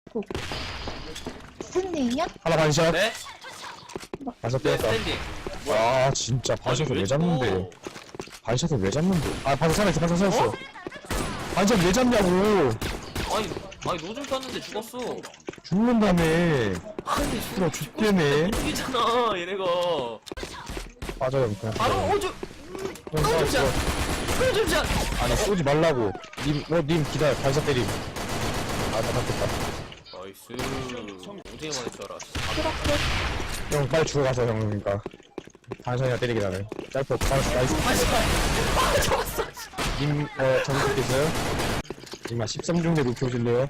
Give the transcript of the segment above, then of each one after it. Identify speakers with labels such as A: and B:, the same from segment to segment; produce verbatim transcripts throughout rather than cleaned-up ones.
A: 스탠딩이야?
B: 하나 반샷.
C: 네?
B: 반샷
C: 네,
B: 때렸다.
C: 스탠딩.
B: 아 진짜 반샷을 왜 잡는데? 반샷을 왜 잡는데? 아 반샷 살아있어 반샷 살아있어.
C: 어?
B: 반샷 왜 잡냐고.
C: 아니, 아니 노즐 쐈는데 죽었어.
B: 죽는다며.
C: 아니,
B: 그럼 죽겠네.
C: 죽이잖아, 얘네가.
B: 빠져요 그냥.
C: 바로 오줌.
B: 그냥 싸워,
C: 오줌샷.
B: 싸워.
C: 오줌샷.
B: 아니 쏘지 말라고. 님, 어, 님 기다려. 반샷 때림. 아, 다 잡겠다.
C: 나이스. 오징어 만할 줄 알아.
A: 그렇게
B: 형 빨리 죽어가서 형 그러니까. 반샷이나 때리긴 하네. 짧고 반샷 나이스.
C: 아, 잡았어.
B: 님, 어, 점수 있어요? 님, 한 십삼 중대 높여 오실래요?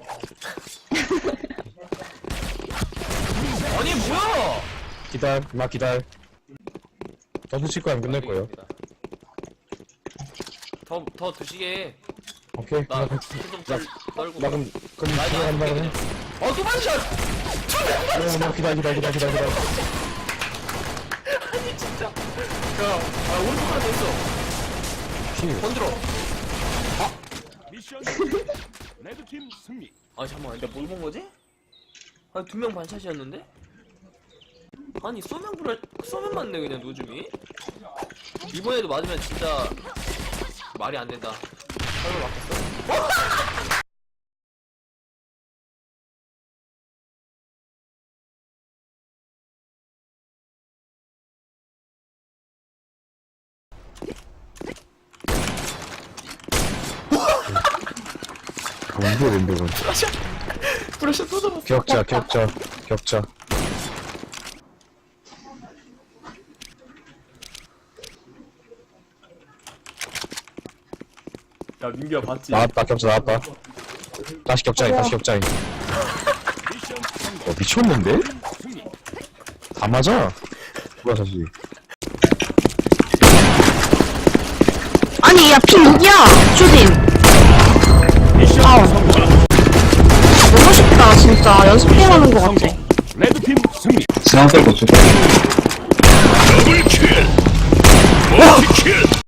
C: 아니, 뭐야?
B: 기다려, 마 기다려. 저도 칠 거야, 끝낼 거예요.
C: 더, 더 드시게.
B: 오케이.
C: 나,
B: 나, 그럼-
C: 좀 떨, 떨고.
B: 나 그럼, 그럼
C: 나 이제 안
B: 들어간다
C: 죽게
B: 그래?
C: 그냥. 어, 두 반샷!
B: 어, 나 기다려, 기다려, 기다려, 기다려, 기다려.
C: 아니, 진짜. 야, 아, 오른쪽 하나 더 있어.
B: 피.
C: 건드려.
D: 미션 레드팀 승리.
C: 아, 잠깐만. 내가 뭘 본 거지? 아니, 두 명 반샷이었는데? 아니, 쏘면 불알, 쏘면 맞네, 그냥 노즘이. 이번에도 맞으면 진짜 말이 안 된다. 설마 맞겠어?
B: 뭔데, 뭔데, 뭔데.
C: 브러쉬 또 잡았어.
B: 격자, 격자, 격자.
C: 야, 민규야, 봤지?
B: 나왔다, 격자 나왔다. 다시 격자인, 다시 격자인.
D: 미션 성공.
B: 어, 미쳤는데?
D: 승리.
B: 다 맞아. 뭐야, 사실.
E: 아니, 야, 피 누구야? 쇼딘.
D: 미션
E: 아우.
D: 성공.
E: 너무 쉽다, 진짜. 연습해가는 것 같아.
D: 성공. 레드팀 승리.
F: 지난 때 고쳐.
D: 더블 킬. 멀티 킬.